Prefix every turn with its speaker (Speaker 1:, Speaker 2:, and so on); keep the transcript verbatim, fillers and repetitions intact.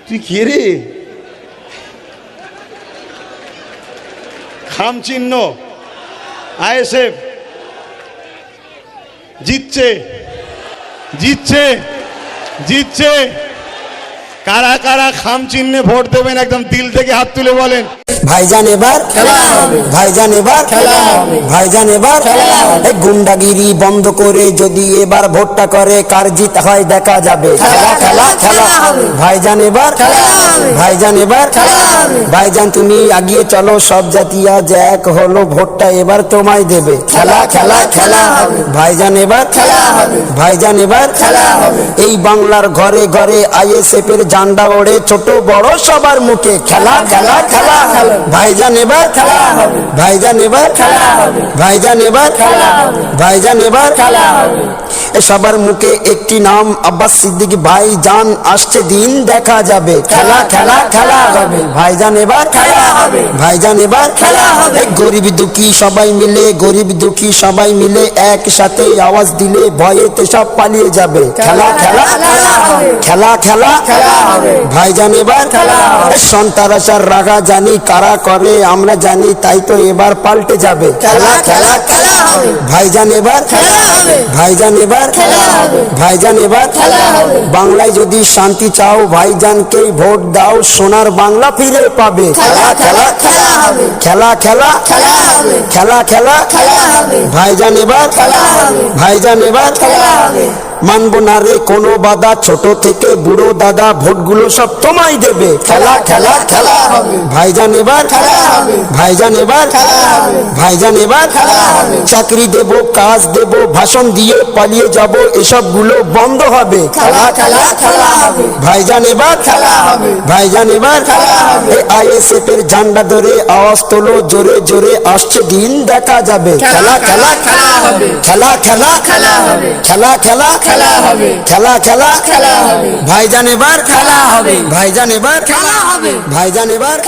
Speaker 1: তুই কে রে? খাম চিহ্ন আইএসএফ জিতছে জিতছে জিতছে। কারা কারা খাম চিহ্নে ভোট দেবেন একদম দিল থেকে হাত তুলে বলেন।
Speaker 2: ভাইজান এবার খেলা হবে, ভাইজান এবার খেলা হবে, ভাইজান এবার খেলা হবে। গুন্ডাগিরি বন্ধ করে যদি এবার ভোটটা করে কার জিত হয় দেখা যাবে। খেলা খেলা খেলা হবে, ভাইজান এবার খেলা হবে, ভাইজান এবার খেলা হবে। ভাইজান তুমি এগিয়ে চলো, সব জাতি আজ এক হলো, ভোটটা এবার তোমায় দেবে। খেলা খেলা খেলা হবে, ভাইজান এবার খেলা হবে, ভাইজান এবার খেলা হবে। এই বাংলার ঘরে ঘরে আইএসএফ এর ঝান্ডা ওড়ে, ছোট বড় সবার মুখে খেলা খেলা খেলা হবে। ভাইজান এবার খেলা হবে, ভাইজান এবার খেলা হবে, ভাইজান এবার খেলা হবে, ভাইজান এবার খেলা হবে। সবার মুখে একটি নাম আব্বাস সিদ্দিক ভাইজান, আসছে দিন দেখা যাবে। খেলা খেলা খেলা হবে, ভাইজান এবার খেলা হবে, ভাইজান এবার খেলা হবে। গরিব দুঃখী সবাই মিলে, গরিব দুঃখী সবাই মিলে একসাথে আওয়াজ দিলে ভয়েতে সব পালিয়ে যাবে। খেলা খেলা খেলা হবে, খেলা খেলা খেলা হবে, ভাইজান এবার খেলা হবে। সন্তারাসার রাগা জানি কারা করে আমরা জানি, তাই তো এবার পাল্টে যাবে। খেলা খেলা খেলা হবে, ভাইজান এবার খেলা হবে, ভাইজান এবার খেলা হবে, ভাইজান এবার খেলা হবে। বাংলায় যদি শান্তি চাও ভাইজানকে ভোট দাও, সোনার বাংলা ফিরে পাবে। খেলা খেলা খেলা হবে, খেলা খেলা খেলা হবে, খেলা খেলা খেলা হবে, ভাইজান এবার খেলা হবে, ভাইজান এবার খেলা হবে। মানবো না রে কোনো বাধা, ছোট থেকে বুড়ো দাদা ভোটগুলো সব তোমায় দেবে। খেলা খেলা খেলা হবে, ভাইজান এবার খেলা হবে, ভাইজান এবার খেলা হবে, ভাইজান এবার খেলা হবে। চাকরি দেব, কাজ দেব, ভাষণ দিয়ে পালিয়ে যাব, এসব গুলো বন্ধ হবে। খেলা খেলা খেলা হবে, ভাইজান এবার খেলা হবে, ভাইজান এবার খেলা হবে। আইএসএফ এর ঝান্ডা ধরে আওয়াজ তোলো জোরে জোরে, আসছে দিন দেখা যাবে। খেলা খেলা খেলা হবে, খেলা খেলা খেলা হবে, খেলা খেলা খেলা হবে, খেলা খেলা খেলা হবে। ভাইজান এবার খেলা হবে, ভাইজান এবার খেলা হবে, ভাইজান এবার